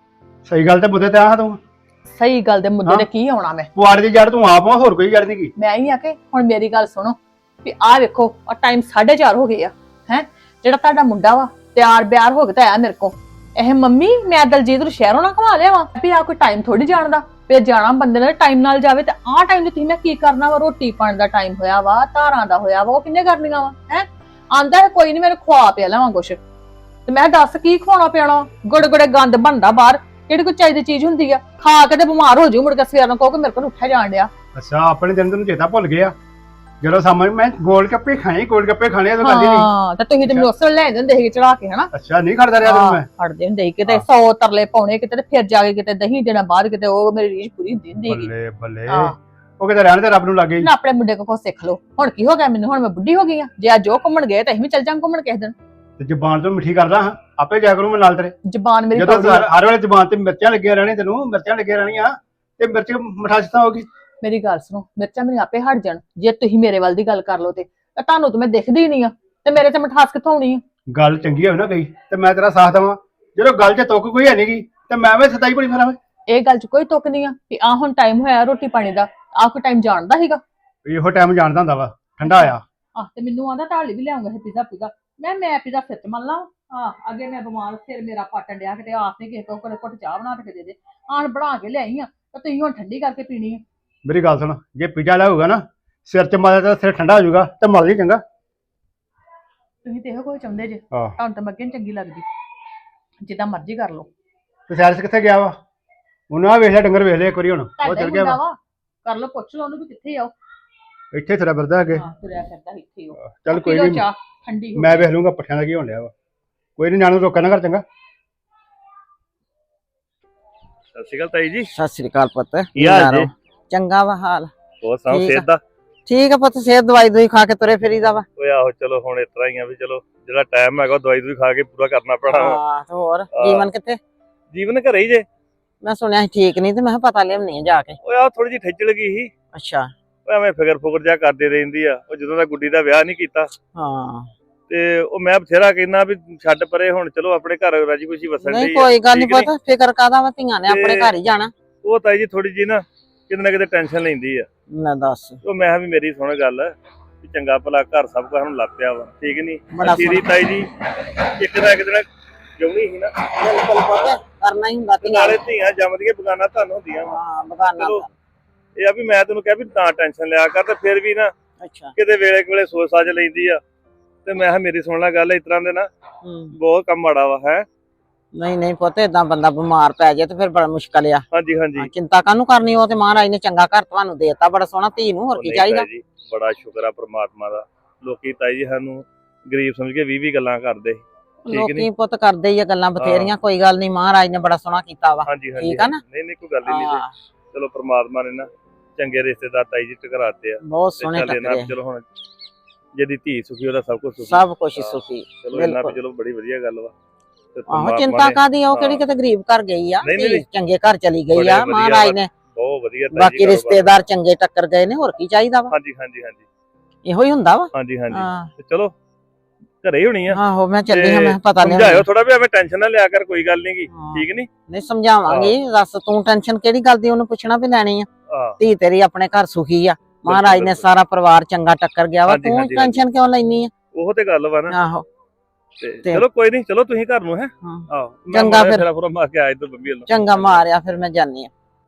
Speaker 6: ਸਹੀ ਗੱਲ ਤੇ ਮੁੱਦੇ ਤੇ ਆ ਤੂੰ
Speaker 5: ਸਹੀ ਗੱਲ ਦੇ ਮੁੱਦੇ
Speaker 6: ਹਾਂ।
Speaker 5: ਨੇ ਕੀ ਆਉਣਾ ਮੈਂ
Speaker 6: ਪੁਆੜੇ ਦੀ ਜੜ ਤੂੰ ਆਪ ਆ ਹੋਰ ਕੋਈ ਜੜ ਨਹੀਂ ਕੀ
Speaker 5: ਮੈਂ ਹੀ ਆ ਕੇ ਹੁਣ ਮੇਰੀ ਗੱਲ ਸੁਣੋ ਵੀ ਆਹ ਵੇਖੋ ਆ ਟਾਈਮ ਸਾਢੇ ਚਾਰ ਹੋ ਗਏ ਆ ਹੈ ਜਿਹੜਾ ਤੁਹਾਡਾ ਮੁੰਡਾ ਵਾ ਤਿਆਰ ਬਿਆਰ ਹੋ ਕੇ ਤਾਂ ਆਇਆ ਮੇਰੇ ਕੋ ਇਹ ਮੰਮੀ ਮੈਂ ਦਲਜੀਤ ਨੂੰ ਸ਼ਹਿਰੋਂ ਨਾ ਘੁਮਾ ਲਿਆ ਵਾ ਵੀ ਆ ਕੋਈ ਟਾਈਮ ਥੋੜੀ ਜਾਣਦਾ ਫਿਰ ਜਾਣਾ ਬੰਦੇ ਨੇ ਟਾਈਮ ਨਾਲ ਜਾਵੇ ਤੇ ਆਹ ਟਾਈਮ ਤੇ ਤੁਸੀਂ ਮੈਂ ਕੀ ਕਰਨਾ ਵਾ ਰੋਟੀ ਪਾਣ ਦਾ ਟਾਈਮ ਹੋਇਆ ਵਾ ਧਾਰਾਂ ਦਾ ਹੋਇਆ ਵਾ ਉਹ ਕਿੰਨੇ ਕਰਨੀਆਂ ਵਾ ਹੈ ਆਂਦਾ ਹੈ ਕੋਈ ਨਹੀਂ ਮੈਨੂੰ ਖਵਾ ਪਿਆ ਲਵਾਂ ਕੁਛ ਤੇ ਮੈਂ ਦੱਸ ਕੀ ਖਵਾਉਣਾ ਪਿਆਣਾ ਗੁੜ ਗੁੜੇ ਗੰਦ ਬਣਦਾ ਬਾਹਰ ਜਿਹੜੀ ਕੋਈ ਚਾਹੀਦੀ ਚੀਜ਼ ਹੁੰਦੀ ਆ ਖਾ ਕੇ ਤੇ ਬਿਮਾਰ ਹੋ ਜਾਊ ਮੁੜ ਕੇ ਸਵੇਰ ਨੂੰ ਕਹੋ ਕਿ ਮੇਰੇ ਕੋਲ ਉੱਠਿਆ ਜਾਣ ਡਿਆ
Speaker 6: ਅੱਛਾ ਆਪਣੇ ਦਿਨ ਤੈਨੂੰ ਚੇਤਾ ਭੁੱਲ ਗਿਆ ਜਦੋਂ ਸਾਹਮਣੇ ਮੈਂ ਗੋਲ ਗੱਪੇ ਖਾਏ ਗੋਲ ਗੱਪੇ ਖਾਣੇ ਆ ਤੂੰ ਕਰਦੀ ਨਹੀਂ
Speaker 5: ਹਾਂ ਤੇ ਤੁਸੀਂ ਤੇ ਮੈਨੂੰ ਉਸਲ ਲੈ ਜਾਂਦੇ ਸੀ ਚੜਾ ਕੇ ਹਨਾ
Speaker 6: ਅੱਛਾ ਨਹੀਂ ਖੜਦਾ ਰਿਹਾ ਤੈਨੂੰ ਮੈਂ
Speaker 5: ਫੜਦੇ ਹੁੰਦੇ ਸੀ ਕਿਤੇ ਸੌ ਤਰਲੇ ਪਾਉਣੇ ਕਿਤੇ ਤੇ ਫਿਰ ਜਾ ਕੇ ਕਿਤੇ ਦਹੀਂ ਦੇਣਾ ਬਾਅਦ ਕਿਤੇ ਉਹ ਮੇਰੀ ਰੀਝ ਪੂਰੀ ਹੁੰਦੀ ਹੁੰਦੀ ਸੀਗੀ
Speaker 6: ਬੱਲੇ ਬੱਲੇ
Speaker 5: ਹਾਂ।
Speaker 6: ਉਹ ਕਿਤੇ ਰਹਿਣ ਤੇ ਰੱਬ ਨੂੰ ਲੱਗੇ
Speaker 5: ਨਾ ਆਪਣੇ ਮੁੰਡੇ ਕੋਲ ਸਿੱਖ ਲਓ ਹੁਣ ਕੀ ਹੋ ਗਿਆ ਮੈਨੂੰ ਹੁਣ ਮੈਂ ਬੁੱਢੀ ਹੋ ਗਈ ਆ ਜੇ ਅੱਜ ਉਹ ਘੁੰਮਣ ਗਏ ਤਾਂ ਅਸੀਂ ਵੀ ਚੱਲ ਜਾਵਾਂ ਘੁੰਮਣ ਕਿਸੇ ਦਿਨ
Speaker 6: ਤੇ ਜ਼ਬਾਨ ਤੋਂ ਮਿੱਠੀ ਕਰਦਾ ਹਾਂ ਆਪੇ ਜਾ ਕਰੂੰ ਮੈਂ ਨਾਲ ਤੇਰੇ
Speaker 5: ਜ਼ਬਾਨ ਮੇਰੀ
Speaker 6: ਜਦੋਂ
Speaker 5: ਕੌੜੀ ਆ।
Speaker 6: ਹਰ ਹਰ ਵੇਲੇ ਜ਼ਬਾਨ ਤੇ ਮਿਰਚਾਂ ਲੱਗੀਆਂ ਰਹਿਣੀ ਤੈਨੂੰ ਮਿਰਚਾਂ ਲੱਗੀਆਂ ਰਹਿਣੀਆਂ ਤੇ ਮਿਰਚ ਮਿਠਾਸ ਤਾਂ ਹੋਗੀ
Speaker 5: ਮੇਰੀ ਗੱਲ ਸੁਣੋ ਮਿਰਚਾਂ ਮੇਰੀ ਆਪੇ ਹਟ ਜਾਣ ਜੇ ਤੁਸੀਂ ਮੇਰੇ ਵੱਲ ਦੀ ਗੱਲ ਕਰ ਲਓ ਤੇ ਤਾਂ ਤੁਹਾਨੂੰ ਤਾਂ ਮੈਂ ਦਿਖਦੀ ਨਹੀਂ ਆ ਤੇ ਮੇਰੇ ਤੇ ਮਿਠਾਸ ਕਿੱਥੋਂ ਆਉਣੀ ਆ
Speaker 6: ਗੱਲ ਚੰਗੀ ਹੋਵੇ ਨਾ ਗਈ ਤੇ ਮੈਂ ਤੇਰਾ ਸਾਥ ਦੇਵਾਂ ਜਦੋਂ ਗੱਲ 'ਚ ਤੁੱਕ ਕੋਈ ਹੈ ਨੀ ਗੀ ਤੇ ਮੈਂ ਵੀ ਸਤਾਈ ਬੜੀ ਫਿਰਾਂ
Speaker 5: ਇਹ ਗੱਲ 'ਚ ਕੋਈ ਤੁੱਕ ਨਹੀਂ ਆ ਵੀ ਆ ਹੁਣ ਟਾਈਮ ਹੋਇਆ ਰੋਟੀ ਪਾਣੀ ਦਾ। ਆਹ ਕੋਈ ਟਾਈਮ ਜਾਣਦਾ ਸੀਗਾ।
Speaker 6: ਇਹੋ ਟਾਈਮ ਜਾਣਦਾ ਹੁੰਦਾ ਵਾ ਠੰਡਾ ਆ।
Speaker 5: ਆਹ ਤੇ ਮੈਨੂੰ ਆਂਦਾ ਢਾਲੀ ਵੀ ਲਿਆਉਂਗਾ ਪੀਜ਼ਾ ਪੀਜ਼ਾ। ਮੈਂ ਮੈਂ ਪੀਜ਼ਾ ਫਿਰ ਚ ਮੰਨ ਲਾ। ਆ ਅੱਗੇ ਮੈਂ ਬਿਮਾਰ ਸਿਰ ਮੇਰਾ ਪਾਟਣ ਡਿਆ ਕਿਤੇ ਆਸ ਨਹੀਂ ਕਿਸੇ ਤੋਂ ਕੋਲੇ ਘੁੱਟ ਚਾਹ ਬਣਾ ਕੇ ਦੇ ਦੇ। ਆਣ ਬਣਾ ਕੇ ਲਿਆਈ ਆ ਤੇ ਤੁਸੀਂ ਹੁਣ ਠੰਡੀ ਕਰਕੇ ਪੀਣੀ ਆ।
Speaker 6: ਮੇਰੀ ਗੱਲ ਸੁਣ, ਜੇ ਪੀਜ਼ਾ ਲਿਆਊਗਾ ਨਾ ਸਿਰ 'ਚ ਮਾਰਿਆ ਤਾਂ ਸਿਰ ਠੰਡਾ ਹੋ ਜਾਊਗਾ ਤੇ ਮਰ ਲਈ ਚੰਗਾ।
Speaker 5: ਤੁਸੀਂ ਤੇ ਇਹੋ ਕੁਝ ਚਾਹੁੰਦੇ ਜੇ।
Speaker 6: ਆਹ
Speaker 5: ਤੁਹਾਨੂੰ ਤਾਂ ਮੱਗੇ ਨੀ ਚੰਗੀ ਲੱਗਦੀ। ਜਿੱਦਾਂ ਮਰਜ਼ੀ ਕਰ ਲਓ।
Speaker 6: ਤੇ ਸੈਰਸ ਕਿੱਥੇ ਗਿਆ ਵਾ? ਉਹਨੂੰ ਆ ਵੇਖ ਲਿਆ ਡੰਗਰ ਵੇਖ ਲਿਆ ਇੱਕ ਵਾਰੀ ਹੁਣ ਉਹ
Speaker 5: ਤੁਹਾਡਾ
Speaker 6: ਚਲ
Speaker 5: ਹੀ
Speaker 6: ਗਿਆ
Speaker 5: ਮੁੰਡਾ
Speaker 6: ਵਾ।
Speaker 5: ਵਾ ਕਰ ਲਓ ਪੁੱਛ ਲਓ ਉਹਨੂੰ ਵੀ ਕਿੱਥੇ ਆ ਉਹ।
Speaker 6: ਇੱਥੇ ਤੁਰਿਆ ਫਿਰਦਾ ਅੱਗੇ।
Speaker 5: ਹਾਂ ਤੁਰਿਆ ਫਿਰਦਾ ਇੱਥੇ ਉਹ।
Speaker 6: ਚੱਲ ਕੋਈ
Speaker 5: ਪੀ ਲਓ
Speaker 6: ਨਹੀਂ,
Speaker 5: ਚਾਹ ਠੰਡੀ ਹੋ
Speaker 6: ਮੈਂ ਵੇਖ ਲੂੰਗਾ ਪੱਠਿਆਂ ਦਾ ਕੀ ਹੋਣ ਡਿਆ ਵਾ। ਕੋਈ ਨਹੀਂ, ਨਿਆਣੇ ਨੂੰ ਰੋਕਿਆ ਨਾ ਕਰ ਚੰਗਾ।
Speaker 2: ਸਤਿ ਸ਼੍ਰੀ ਅਕਾਲ ਤਾਈ ਜੀ।
Speaker 7: ਸਤਿ ਸ੍ਰੀ ਅਕਾਲ ਪੁੱਤ।
Speaker 2: ਕੀ ਹਾਲ ਜੀ?
Speaker 7: ਚੰਗਾ ਵਾ ਹਾਲ।
Speaker 2: ਹੋਰ ਸੁਣਾਓ
Speaker 7: ਠੀਕ
Speaker 2: ਸਿਹਤ ਦਾ?
Speaker 7: ਠੀਕ ਆ ਪੁੱਤ, ਸਿਹਤ ਦਵਾਈ ਦੂਈ ਖਾ ਕੇ ਤੁਰੇ ਫਿਰੀਦਾ ਵਾ।
Speaker 2: ਓਏ ਆਹੋ ਚਲੋ ਹੁਣ ਇਸ ਤਰ੍ਹਾਂ ਹੀ ਆ ਵੀ ਚਲੋ ਜਿਹੜਾ ਟਾਈਮ ਹੈਗਾ ਉਹ ਦਵਾਈ ਦੂਈ ਖਾ ਕੇ ਪੂਰਾ ਕਰਨਾ ਪੈਣਾ ਵਾ।
Speaker 7: ਹਾਂ ਤੇ ਹੋਰ ਜੀਵਨ ਕਿੱਥੇ?
Speaker 2: ਜੀਵਨ ਘਰੇ ਹੀ ਜੇ।
Speaker 7: ਮੈਂ ਸੁਣਿਆ ਸੀ ਠੀਕ ਨਹੀਂ ਤੇ ਮੈਂ ਕਿਹਾ ਪਤਾ ਲਿਆਉਣੀ ਆ ਜਾ ਕੇ।
Speaker 2: ਓਏ ਆਹ ਥੋੜੀ ਜਿਹੀ ਠੇਚਲ ਗਈ ਸੀ।
Speaker 7: ਅੱਛਾ।
Speaker 2: ਓਏ ਐਵੇਂ ਫਿਕਰ ਫੁਕਰ ਜਿਹਾ ਕਰਦੇ ਰਹਿੰਦੀ ਆ। ਉਹ ਜਦੋਂ ਦਾ ਗੁੱਡੀ ਦਾ ਵਿਆਹ ਨਹੀਂ ਕੀਤਾ
Speaker 7: ਹਾਂ
Speaker 2: ਤੇ ਉਹ ਮੈਂ ਬਥੇਰਾ ਕਹਿੰਦਾ ਵੀ ਛੱਡ ਪਰੇ ਹੁਣ ਚਲੋ ਆਪਣੇ ਘਰ ਰਾਜੀ ਖੁਸ਼ੀ ਵਸਣ
Speaker 7: ਨਹੀਂ
Speaker 2: ਡਈ ਆ।
Speaker 7: ਕੋਈ ਗੱਲ ਨਹੀਂ
Speaker 2: ਠੀਕ ਨੀ?
Speaker 7: ਪੁੱਤ, ਫਿਕਰ ਕਾਦਾ ਵਾ, ਧੀਆਂ ਨੇ ਆਪਣੇ
Speaker 2: ਤੇ-
Speaker 7: ਘਰ ਹੀ ਜਾਣਾ।
Speaker 2: ਉਹ ਤਾਈ ਜੀ ਥੋੜੀ ਜੀ ਨਾ ਕਿਤੇ ਨਾ ਕਿਤੇ ਟੈਨਸ਼ਨ ਲੈਂਦੀ ਆ।
Speaker 7: ਮੈਂ ਦੱਸ
Speaker 2: ਉਹ ਮੈਂ ਕਿਹਾ ਵੀ ਮੇਰੀ ਸੁਣ ਗੱਲ ਵੀ ਚੰਗਾ ਭਲਾ ਘਰ ਸਭ ਕੁਝ ਹੁਣ ਲੱਗ ਪਿਆ ਵਾ, ਠੀਕ ਨਹੀਂ?
Speaker 7: ਬੜਾ
Speaker 2: ਤੇਰੀ
Speaker 7: ਸੋਹਣਾ।
Speaker 2: ਤਾਈ ਜੀ ਇੱਕ ਨਾ ਇੱਕ ਦਿਨ ਜਿਉਣੀ ਸੀ ਨਾ,
Speaker 7: ਬਿਲਕੁਲ ਪੁੱਤ, ਕਰਨਾ ਹੀ ਹੁੰਦਾ
Speaker 2: ਤੇ
Speaker 7: ਧੀਆਂ
Speaker 2: ਨਾਲੇ
Speaker 7: ਨੇ।
Speaker 2: ਧੀਆਂ ਜੰਮਦੀਆਂ ਬਗਾਨਾ ਤੁਹਾਨੂੰ ਹੁੰਦੀਆਂ ਵਾ।
Speaker 7: ਹਾਂ ਬਗਾਨਾ
Speaker 2: ਚਲੋ
Speaker 7: ਘਰ।
Speaker 2: ਇਹ ਆ ਵੀ ਮੈਂ ਤੈਨੂੰ ਕਿਹਾ ਵੀ ਤਾਂ ਟੈਨਸ਼ਨ ਲਿਆ ਕਰ, ਤੇ ਫਿਰ ਵੀ ਨਾ
Speaker 7: ਅੱਛਾ।
Speaker 2: ਕਿਤੇ ਵੇਲੇ ਵੇਲੇ ਸੋਚ ਸਾਜ ਲੈਂਦੀ ਆ। ਤੇ ਮੈਂ ਕਿਹਾ ਮੇਰੀ ਸੁਣ ਲੈ ਗੱਲ, ਇਸ ਤਰ੍ਹਾਂ ਦੇ ਨਾ
Speaker 7: ਹੂੰ
Speaker 2: ਬਹੁਤ ਕੰਮ ਮਾੜਾ ਵਾ। ਹੈ
Speaker 7: ਨਹੀਂ ਨਹੀਂ ਪੁੱਤ, ਏਦਾਂ ਬੰਦਾ ਬਿਮਾਰ ਪੈ ਜਾਏ ਤੇ ਫਿਰ ਬੜਾ ਮੁਸ਼ਕਲ ਆ।
Speaker 2: ਹਾਂਜੀ ਹਾਂਜੀ।
Speaker 7: ਹਾਂ, ਚਿੰਤਾ ਕਾਹਨੂੰ ਕਰਨੀ, ਉਹ ਤੇ ਮਹਾਰਾਜ ਨੇ ਚੰਗਾ ਘਰ ਤੁਹਾਨੂੰ ਦੇਤਾ, ਬੜਾ ਸੋਹਣਾ ਧੀ ਨੂੰ, ਹੋਰ
Speaker 2: ਉਹ
Speaker 7: ਕੀ
Speaker 2: ਨਹੀਂ
Speaker 7: ਚਾਹੀਦਾ।
Speaker 2: ਤਾਈ ਜੀ, ਬੜਾ ਸ਼ੁਕਰ ਆ ਪ੍ਰਮਾਤਮਾ ਦਾ। ਲੋਕੀ ਤਾਈ ਜੀ ਸਾਨੂੰ ਗਰੀਬ ਸਮਝ ਕੇ ਵੀਹ ਵੀਹ ਗੱਲਾਂ ਕਰਦੇ। ਠੀਕ
Speaker 7: ਲੋਕੀ
Speaker 2: ਨੀ?
Speaker 7: ਪੁੱਤ ਕਰਦੇ ਹੀ ਆ ਗੱਲਾਂ ਬਥੇਰੀਆਂ, ਕੋਈ ਗੱਲ ਨਹੀਂ, ਮਹਾਰਾਜ ਨੇ ਬੜਾ ਸੋਹਣਾ ਕੀਤਾ ਵਾ।
Speaker 2: ਹਾਂਜੀ ਹਾਂਜੀ
Speaker 7: ਠੀਕ ਆ ਨਾ?
Speaker 2: ਨਹੀਂ ਨਹੀਂ ਕੋਈ ਗੱਲ ਹੀ ਨਹੀਂ
Speaker 7: ਹਾਂ,
Speaker 2: ਜੀ। ਚਲੋ ਪ੍ਰਮਾਤਮਾ ਨੇ ਨਾ ਚੰਗੇ ਰਿਸ਼ਤੇਦਾਰ ਤਾਈ ਜੀ ਟਕਰਾਤੇ ਆ।
Speaker 7: ਬਹੁਤ
Speaker 2: ਤੇ
Speaker 7: ਸੋਹਣੇ
Speaker 2: ਚੱਲ ਇਹਨਾਂ
Speaker 7: ਟੱਕਰੇ।
Speaker 2: ਚਲੋ ਹੁਣ ਜਿਹਦੀ ਧੀ ਸੁਖੀ ਉਹਦਾ ਸਭ ਕੁਝ ਸੁਖੀ।
Speaker 7: ਸਭ ਕੁਝ
Speaker 2: ਹਾਂ,
Speaker 7: ਸੁਖੀ।
Speaker 2: ਚਲੋ ਇਹਨਾਂ ਵੀ
Speaker 7: ਬਿਲਕੁਲ।
Speaker 2: ਚਲੋ ਬੜੀ ਵਧੀਆ ਗੱਲ ਵਾ। ਤੇ
Speaker 7: ਆਹੋ
Speaker 2: ਪ੍ਰਮਾਤਮਾ
Speaker 7: ਚਿੰਤਾ
Speaker 2: ਨੇ
Speaker 7: ਕਾਦੀ, ਉਹ ਕਿਹੜੀ
Speaker 2: ਹਾਂ।
Speaker 7: ਕਿਤੇ ਗਰੀਬ ਘਰ ਗਈ ਆ,
Speaker 2: ਨਹੀਂ, ਨਹੀਂ,
Speaker 7: ਧੀ ਚੰਗੇ ਘਰ ਚਲੀ ਗਈ
Speaker 2: ਬੜੇ
Speaker 7: ਆ,
Speaker 2: ਵਧੀਆ
Speaker 7: ਮਹਾਰਾਜ
Speaker 2: ਵਾ।
Speaker 7: ਨੇ।
Speaker 2: ਬਹੁਤ ਵਧੀਆ ਤਾਈ ਜੀ
Speaker 7: ਬਾਕੀ
Speaker 2: ਕਾਰੋਬਾਰ।
Speaker 7: ਰਿਸ਼ਤੇਦਾਰ ਚੰਗੇ ਟੱਕਰ ਗਏ ਨੇ, ਹੋਰ ਕੀ ਚਾਹੀਦਾ ਵਾ।
Speaker 2: ਹਾਂਜੀ ਹਾਂਜੀ ਹਾਂਜੀ
Speaker 7: ਇਹੋ ਹੀ ਹੁੰਦਾ ਵਾ।
Speaker 2: ਹਾਂਜੀ ਹਾਂਜੀ।
Speaker 7: ਹਾਂ
Speaker 2: ਤੇ ਚਲੋ ਘਰੇ ਹੀ ਹੋਣੀ ਆ।
Speaker 7: ਆਹੋ ਮੈਂ ਚੱਲੀ ਹਾਂ,
Speaker 2: ਤੇ
Speaker 7: ਮੈਂ ਪਤਾ ਨਹੀਂ।
Speaker 2: ਸਮਝਾਇਓ ਥੋੜਾ ਵੀ ਐਵੇਂ ਟੈਨਸ਼ਨ ਨਾ ਲਿਆ ਕਰ, ਕੋਈ ਗੱਲ ਨਹੀਂ ਗੀ।
Speaker 7: ਹਾਂ।
Speaker 2: ਠੀਕ ਨਹੀਂ?
Speaker 7: ਨਹੀਂ ਸਮਝਾਵਾਂਗੀ, ਦੱਸ ਤੂੰ ਟੈਨਸ਼ਨ ਕਿਹੜੀ ਗੱਲ ਦੀ, ਉਹਨੂੰ ਪੁੱਛਣਾ ਵੀ ਲੈਣੀ ਆ।
Speaker 2: ਹਾਂ
Speaker 7: ਧੀ ਤੇਰੀ ਆਪਣੇ ਘਰ ਸੁਖੀ ਆ, ਮਹਾਰਾਜ ਨੇ
Speaker 2: ਬਿਲਕੁਲ।
Speaker 7: ਸਾਰਾ ਪਰਿਵਾਰ ਚੰਗਾ ਟੱਕਰ ਗਿਆ ਵਾ,
Speaker 2: ਹਾਂਜੀ,
Speaker 7: ਤੂੰ
Speaker 2: ਹਾਂਜੀ,
Speaker 7: ਟੈਨਸ਼ਨ ਕਿਉਂ ਲੈਣੀ ਆ?
Speaker 2: ਉਹ ਤੇ ਗੱਲ ਵਾ ਨਾ।
Speaker 7: ਆਹੋ
Speaker 2: ਤੇ
Speaker 7: ਤੇ-
Speaker 2: ਚਲੋ ਕੋਈ ਨਹੀਂ, ਚਲੋ ਤੁਸੀਂ ਘਰ ਨੂੰ। ਹੈ
Speaker 7: ਹਾਂ।
Speaker 2: ਆਹੋ
Speaker 7: ਚੰਗਾ ਫਿਰ।
Speaker 2: ਫਿਰ ਮਾਰ ਕੇ ਆਏ ਤੋਂ ਬੰਬੀ ਵੱਲੋਂ।
Speaker 7: ਚੰਗਾ ਮਾਰਿਆ, ਫਿਰ ਮੈਂ ਜਾਨੀ ਆ।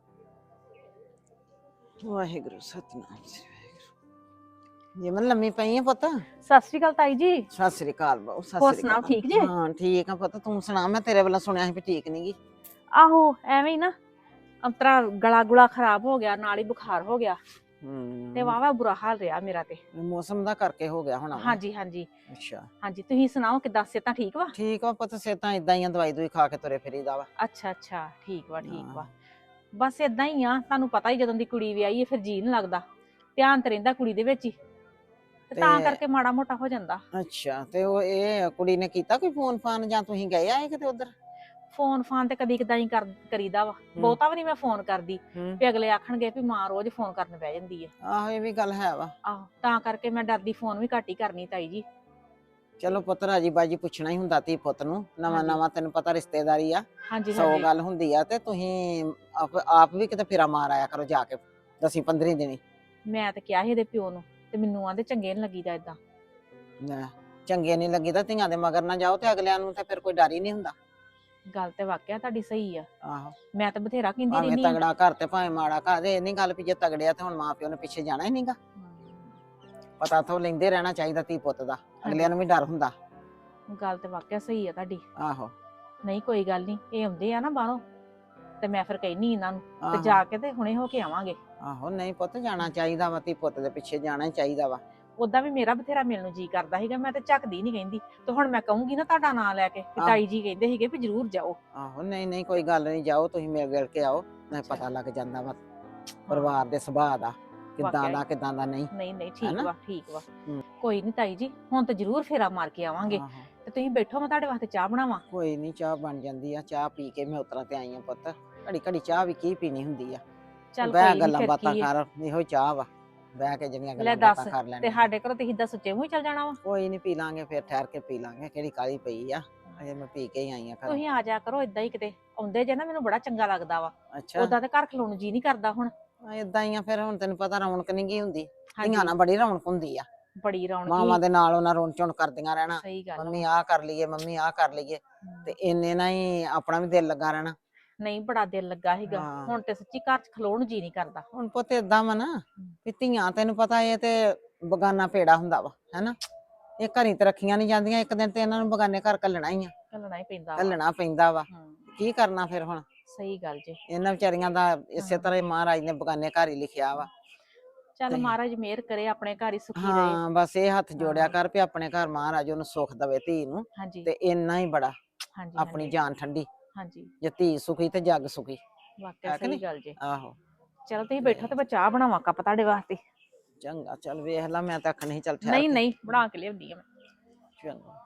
Speaker 7: ਵਾਹਿਗੁਰੂ ਸਤਨਾਮ ਸ੍ਰੀ ਵਾਹਿਗੁਰੂ। ਜੇ ਮੈਂ ਲੰਮੀ ਪਈ ਆ ਪੁੱਤ।
Speaker 1: ਸਤਿ ਸ਼੍ਰੀ ਅਕਾਲ ਤਾਈ ਜੀ।
Speaker 7: ਸਤਿ ਸ੍ਰੀ ਅਕਾਲ ਬਾਊ, ਸਤਿ
Speaker 1: ਹੋਰ
Speaker 7: ਸ੍ਰੀ
Speaker 1: ਸੁਣਾਓ,
Speaker 7: ਅਕਾਲ।
Speaker 1: ਠੀਕ ਜੇ?
Speaker 7: ਹਾਂ ਠੀਕ ਆ ਪੁੱਤ, ਤੂੰ ਸੁਣਾ? ਮੈਂ ਤੇਰੇ ਵੱਲੋਂ ਸੁਣਿਆ ਸੀ ਵੀ ਠੀਕ ਨੀ ਗੀ।
Speaker 1: ਆਹੋ ਐਵੇਂ ਹੀ ਨਾ ਅੰਤਰਾ ਗਲਾ ਗੁਲਾ ਖਰਾਬ ਹੋ ਗਿਆ, ਨਾਲ ਹੀ ਬੁਖਾਰ ਹੋ ਗਿਆ
Speaker 7: ਹੂੰ
Speaker 1: ਤੇ ਵਾਵਾ ਬੁਰਾ ਹਾਲ ਰਿਹਾ ਮੇਰਾ ਤੇ।
Speaker 7: ਮੌਸਮ ਦਾ ਕਰਕੇ ਹੋ ਗਿਆ ਹੋਣਾ ਵਾ।
Speaker 1: ਹਾਂਜੀ ਹਾਂਜੀ
Speaker 7: ਅੱਛਾ
Speaker 1: ਹਾਂਜੀ। ਤੁਸੀਂ ਸੁਣਾਓ ਕਿੱਦਾਂ, ਸਿਹਤਾਂ ਠੀਕ ਵਾ?
Speaker 7: ਠੀਕ ਆ ਪੁੱਤ, ਸਿਹਤਾਂ ਇਦਾਂ ਹੀ ਆ, ਦਵਾਈ ਦੂਈ ਖਾ ਕੇ ਤੁਰੇ ਫਿਰੀਦਾ ਵਾ।
Speaker 1: ਅੱਛਾ ਅੱਛਾ, ਠੀਕ ਵਾ ਠੀਕ ਵਾ।
Speaker 7: ਹਾਂ।
Speaker 1: ਬਸ ਇਦਾਂ ਹੀ ਆ, ਤੁਹਾਨੂੰ ਪਤਾ ਹੀ ਜਦੋਂ ਦੀ ਕੁੜੀ ਵਿਆਹੀ ਹੈ ਫਿਰ ਜੀ ਨਹੀਂ ਲੱਗਦਾ, ਧਿਆਨ ਤੇ ਰਹਿੰਦਾ ਕੁੜੀ ਦੇ ਵਿੱਚ ਹੀ, ਤੇ ਤਾਂ
Speaker 7: ਤੇ-
Speaker 1: ਕਰਕੇ ਮਾੜਾ ਮੋਟਾ ਹੋ ਜਾਂਦਾ।
Speaker 7: ਅੱਛਾ, ਤੇ ਉਹ ਇਹ ਕੁੜੀ ਨੇ ਕੀਤਾ ਕੋਈ ਫੋਨ ਫਾਨ, ਜਾਂ ਤੁਸੀਂ ਗਏ ਆਏ ਕਿਤੇ ਉਧਰ?
Speaker 1: ਫੋਨ ਫਾਨ ਤੇ ਕਦੀ ਕਦਾਈ ਕਰ ਕਰੀਦਾ ਵਾ, ਬਹੁਤਾ ਵੀ ਨਹੀਂ ਮੈਂ ਫੋਨ ਕਰਦੀ
Speaker 7: ਹੂੰ।
Speaker 1: ਵੀ ਅਗਲੇ ਆਖਣਗੇ ਵੀ ਮਾਂ ਰੋਜ਼ ਫੋਨ ਕਰਨ ਬਹਿ ਜਾਂਦੀ ਹੈ।
Speaker 7: ਆਹੋ ਇਹ ਵੀ ਗੱਲ ਹੈ ਵਾ।
Speaker 1: ਆਹੋ ਤਾਂ ਕਰਕੇ ਮੈਂ ਡਰਦੀ ਫੋਨ ਵੀ ਘੱਟ ਹੀ ਕਰਨੀ ਤਾਈ ਜੀ।
Speaker 7: ਚਲੋ ਪੁੱਤ, ਰਾਜੀ ਬਾਜੀ ਪੁੱਛਣਾ ਹੀ ਹੁੰਦਾ ਧੀ ਪੁੱਤ ਨੂੰ, ਨਵਾਂ
Speaker 1: ਹਾਂਜੀ।
Speaker 7: ਨਵਾਂ ਤੈਨੂੰ ਪਤਾ ਰਿਸ਼ਤੇਦਾਰੀ ਆ,
Speaker 1: ਹਾਂਜੀ
Speaker 7: ਸੌ
Speaker 1: ਹਾਂਜੀ।
Speaker 7: ਗੱਲ ਹੁੰਦੀ ਆ, ਤੇ ਤੁਸੀਂ ਆਪ ਆਪ ਵੀ ਕਿਤੇ ਫੇਰਾ ਮਾਰ ਆਇਆ ਕਰੋ ਜਾ ਕੇ ਦਸੀਂ ਪੰਦਰੀ ਦਿਨੀ।
Speaker 1: ਮੈਂ ਤਾਂ ਕਿਹਾ ਸੀ ਇਹਦੇ ਪਿਓ ਨੂੰ, ਤੇ ਮੈਨੂੰ ਆਂਦੇ ਚੰਗੇ ਨੀ ਲੱਗੀਦਾ ਏਦਾਂ।
Speaker 7: ਲੈ, ਚੰਗੇ ਨਹੀਂ ਲੱਗੀ ਤਾਂ ਧੀਆਂ ਦੇ ਮਗਰ ਨਾ ਜਾਓ, ਤੇ ਅਗਲਿਆਂ ਨੂੰ ਤਾਂ ਫਿਰ ਕੋਈ ਡਰ ਹੀ ਨਹੀਂ ਹੁੰਦਾ।
Speaker 1: ਗੱਲ ਤੇ ਵਾਕਿਆ ਤੁਹਾਡੀ ਸਹੀ ਆ,
Speaker 7: ਆਹੋ
Speaker 1: ਮੈਂ ਤਾਂ ਬਥੇਰਾ ਕਹਿੰਦੀ
Speaker 7: ਭਾਵੇਂ
Speaker 1: ਰਹਿੰਦੀ ਆ।
Speaker 7: ਤਗੜਾ ਘਰ ਤੇ ਭਾਵੇਂ ਮਾੜਾ ਘਰ, ਇਹ ਨਹੀਂ ਗੱਲ ਵੀ ਜੇ ਤਗੜਿਆ ਤੇ ਹੁਣ ਮਾਂ ਪਿਓ ਨੇ ਪਿੱਛੇ ਜਾਣਾ ਹੀ ਨਹੀਂਗਾ। ਪਤਾ ਤੋਂ ਲੈਂਦੇ ਰਹਿਣਾ ਚਾਹੀਦਾ ਧੀ ਪੁੱਤ ਦਾ, ਅਗਲਿਆਂ ਨੂੰ ਵੀ ਡਰ ਹੁੰਦਾ।
Speaker 1: ਗੱਲ ਤੇ ਵਾਕਿਆ ਸਹੀ ਆ ਤੁਹਾਡੀ।
Speaker 7: ਆਹੋ
Speaker 1: ਨਹੀਂ ਕੋਈ ਗੱਲ ਨਹੀਂ, ਇਹ ਆਉਂਦੇ ਆ ਨਾ ਬਾਹਰੋਂ, ਤੇ ਮੈਂ ਫਿਰ ਕਹਿਨੀ ਇਹਨਾਂ ਨੂੰ ਤੇ
Speaker 7: ਆਹੋ।
Speaker 1: ਜਾ ਕੇ ਤੇ ਹੁਣੇ ਹੋ ਕੇ ਆਵਾਂਗੇ।
Speaker 7: ਆਹੋ ਨਹੀਂ ਪੁੱਤ, ਜਾਣਾ ਚਾਹੀਦਾ ਵਾ, ਧੀ ਪੁੱਤ ਦੇ ਪਿੱਛੇ ਜਾਣਾ ਹੀ ਚਾਹੀਦਾ ਵਾ।
Speaker 1: ਉਦਾਂ ਵੀ ਮੇਰਾ ਬਥੇਰਾ ਮਿਲਣ ਨੂੰ ਜੀ ਕਰਦਾ ਸੀਗਾ, ਮੈਂ ਤੇ ਝੱਕਦੀ ਨਹੀਂ ਕਹਿੰਦੀ, ਤੇ ਹੁਣ ਮੈਂ ਕਹੂੰਗੀ ਨਾ ਤੁਹਾਡਾ ਨਾਂ ਲੈ ਕੇ ਕਿ
Speaker 7: ਆਹ।
Speaker 1: ਤਾਈ ਜੀ ਕਹਿੰਦੇ ਸੀਗੇ ਵੀ ਜ਼ਰੂਰ ਜਾਓ।
Speaker 7: ਆਹੋ ਨਹੀਂ ਨਹੀਂ ਕੋਈ ਗੱਲ ਨਹੀਂ, ਜਾਓ ਤੁਸੀਂ ਮਿਲ ਗਿਲ ਕੇ ਆਓ, ਨਾ ਪਤਾ ਲੱਗ ਜਾਂਦਾ ਵਾ ਪਰਿਵਾਰ ਦੇ ਸੁਭਾਅ ਦਾ, ਕਿੱਦਾਂ
Speaker 1: ਵਾਕਿਆ
Speaker 7: ਦਾ
Speaker 1: ਹੀ।
Speaker 7: ਕਿੱਦਾਂ ਦਾ ਨਹੀਂ।
Speaker 1: ਨਹੀਂ ਨਹੀਂ ਠੀਕ
Speaker 7: ਹੈਨਾ?
Speaker 1: ਵਾ ਠੀਕ ਵਾ।
Speaker 7: ਹੂੰ।
Speaker 1: ਕੋਈ ਨਹੀਂ ਤਾਈ ਜੀ, ਹੁਣ ਤਾਂ ਜ਼ਰੂਰ ਫੇਰਾ ਮਾਰ ਕੇ ਆਵਾਂਗੇ।
Speaker 7: ਆਹੋ।
Speaker 1: ਤੇ ਤੁਸੀਂ ਬੈਠੋ, ਮੈਂ ਤੁਹਾਡੇ ਵਾਸਤੇ ਚਾਹ ਬਣਾਵਾਂ।
Speaker 7: ਕੋਈ ਨਹੀਂ, ਚਾਹ ਬਣ ਜਾਂਦੀ ਆ, ਚਾਹ ਪੀ ਕੇ ਮੈਂ ਉਤਰਾਂ ਤੇ ਆਈ ਆ ਪੁੱਤ। ਘੜੀ ਘੜੀ ਚਾਹ ਵੀ ਕੀ ਪੀਣੀ ਹੁੰਦੀ ਆ,
Speaker 1: ਚੱਲ
Speaker 7: ਬਹਿ
Speaker 1: ਕੋਈ ਨੀ,
Speaker 7: ਗੱਲਾਂ
Speaker 1: ਫਿਰ
Speaker 7: ਬਾਤਾਂ
Speaker 1: ਕੀ ਆ।
Speaker 7: ਕਰ, ਇਹੋ ਹੀ ਚਾਹ ਵਾ, ਬਹਿ ਕੇ ਜਿਹੜੀਆਂ
Speaker 1: ਲੈ
Speaker 7: ਗੱਲਾਂ
Speaker 1: ਦੱਸ,
Speaker 7: ਬਾਤਾਂ ਕਰ
Speaker 1: ਤੇ
Speaker 7: ਲੈਣੀਆਂ।
Speaker 1: ਸਾਡੇ ਘਰੋਂ ਤੁਸੀਂ ਦੱਸ ਸੁੱਚੇ ਮੂੰਹ ਹੀ ਚੱਲ ਜਾਣਾ ਵਾ।
Speaker 7: ਕੋਈ ਨਹੀਂ, ਪੀ ਲਾਂਗੇ ਫਿਰ, ਠਹਿਰ ਕੇ ਪੀ ਲਾਂਗੇ, ਕਿਹੜੀ ਕਾਲੀ ਪਈ ਆ। ਅਜੇ ਮੈਂ ਪੀ ਕੇ ਹੀ ਆਈ ਆ ਘਰ।
Speaker 1: ਤੁਸੀਂ ਆ ਜਾ ਕਰੋ ਇਦਾਂ ਹੀ ਕਿਤੇ ਆਉਂਦੇ ਜੇ ਨਾ ਮੈਨੂੰ ਬੜਾ ਚੰਗਾ ਲੱਗਦਾ ਵਾ
Speaker 7: ਅੱਛਾ
Speaker 1: ਉਦਾਂ ਤੇ ਘਰ ਖਲੋਣ ਨੂੰ ਜੀ ਨਹੀਂ ਕਰਦਾ ਹੁਣ।
Speaker 7: ਇਦਾਂ ਹੀ ਆ ਫਿਰ, ਹੁਣ ਤੈਨੂੰ ਪਤਾ ਰੌਣਕ ਨਹੀਂ ਗਈ ਹੁੰਦੀ,
Speaker 1: ਹਾਂਜੀ,
Speaker 7: ਧੀਆਂ ਨਾਲ ਬੜੀ ਰੌਣਕ ਹੁੰਦੀ ਆ।
Speaker 1: ਬੜੀ ਰੌਣਕ
Speaker 7: ਮਾਵਾਂ
Speaker 1: ਸੀ।
Speaker 7: ਦੇ ਨਾਲ ਉਹਨਾਂ ਰੌਣ ਝੁਣ ਕਰਦੀਆਂ ਰਹਿਣਾ,
Speaker 1: ਸਹੀ ਗੱਲ
Speaker 7: ਮੰਮੀ
Speaker 1: ਵਾ।
Speaker 7: ਆਹ ਕਰ ਲਈਏ ਮੰਮੀ ਆਹ ਕਰ ਲਈਏ, ਤੇ ਇੰਨੇ ਨਾਲ ਹੀ ਆਪਣਾ ਵੀ ਦਿਲ ਲੱਗਾ ਰਹਿਣਾ।
Speaker 1: ਨਹੀਂ ਬੜਾ ਦਿਲ ਲੱਗਾ ਸੀਗਾ,
Speaker 7: ਹਾਂ।
Speaker 1: ਹੁਣ ਤੇ ਸੱਚੀ ਘਰ ਚ ਖਲੋਣ ਨੂੰ ਜੀ ਨਹੀਂ ਕਰਦਾ।
Speaker 7: ਹੁਣ ਪੁੱਤ ਏਦਾਂ ਵਾ ਨਾ ਵੀ ਧੀਆਂ ਤੈਨੂੰ ਪਤਾ ਇਹ ਤੇ ਬਗਾਨਾ ਪੇੜਾ ਹੁੰਦਾ ਵਾ ਹੈਨਾ, ਇਹ ਘਰੀ ਤੇ ਰੱਖੀਆਂ ਨਹੀਂ ਜਾਂਦੀਆਂ, ਇੱਕ ਦਿਨ ਤੇ ਇਹਨਾਂ ਨੂੰ ਬਗਾਨੇ ਘਰ ਘੱਲਣਾ ਹੀ ਆ,
Speaker 1: ਘੱਲਣਾ ਹੀ ਪੈਂਦਾ ਵਾ।
Speaker 7: ਘੱਲਣਾ ਪੈਂਦਾ ਵਾ।
Speaker 1: ਹਮ,
Speaker 7: ਕੀ ਕਰਨਾ ਫਿਰ ਹੁਣ,
Speaker 1: ਸਹੀ ਗੱਲ ਜੀ।
Speaker 7: ਇਹਨਾਂ ਵਿਚਾਰੀਆਂ ਦਾ ਇਸੇ
Speaker 1: ਹਾਂ।
Speaker 7: ਤਰ੍ਹਾਂ ਹੀ ਮਹਾਰਾਜ ਨੇ ਬਗਾਨੇ ਘਰ ਹੀ ਲਿਖਿਆ ਵਾ।
Speaker 1: ਚੱਲ
Speaker 7: ਤੇ-
Speaker 1: ਮਹਾਰਾਜ ਮਿਹਰ ਕਰੇ ਆਪਣੇ ਘਰ ਹੀ ਸੁਖੀ ਰਹੇ।
Speaker 7: ਹਾਂ ਬਸ ਇਹ ਹੱਥ ਜੋੜਿਆ
Speaker 1: ਹਾਂ।
Speaker 7: ਕਰ ਵੀ ਆਪਣੇ ਘਰ ਮਹਾਰਾਜ ਉਹਨੂੰ ਸੁੱਖ ਦਵੇ ਧੀ ਨੂੰ,
Speaker 1: ਹਾਂਜੀ
Speaker 7: ਤੇ ਇੰਨਾ ਹੀ ਬੜਾ,
Speaker 1: ਹਾਂਜੀ
Speaker 7: ਆਪਣੀ
Speaker 1: ਹਾਂਜੀ,
Speaker 7: ਜਾਨ ਠੰਡੀ।
Speaker 1: ਹਾਂਜੀ
Speaker 7: ਜੇ ਧੀ ਸੁਖੀ ਤੇ ਜੱਗ ਸੁਖੀ।
Speaker 1: ਵਾਕਿਆ
Speaker 7: ਹੈ ਕਿ
Speaker 1: ਸਹੀ
Speaker 7: ਨਹੀਂ?
Speaker 1: ਗੱਲ ਜੀ।
Speaker 7: ਆਹੋ
Speaker 1: ਚਲੋ ਤੁਸੀਂ ਬੈਠੋ ਤੇ ਮੈਂ ਚਾਹ ਬਣਾਵਾਂ ਕੱਪ ਤੁਹਾਡੇ ਵਾਸਤੇ।
Speaker 7: ਚੰਗਾ, ਚੱਲ ਵੇਖ ਲਾ, ਮੈਂ ਤਾਂ ਆਖਣ ਨਹੀਂ ਚੱਲ ਠਹਿਰ
Speaker 1: ਨਹੀਂ
Speaker 7: ਕੇ।
Speaker 1: ਨਹੀਂ ਬਣਾ ਕੇ ਲਿਆਉਂਦੀ ਆ ਮੈਂ।
Speaker 7: ਚੰਗਾ।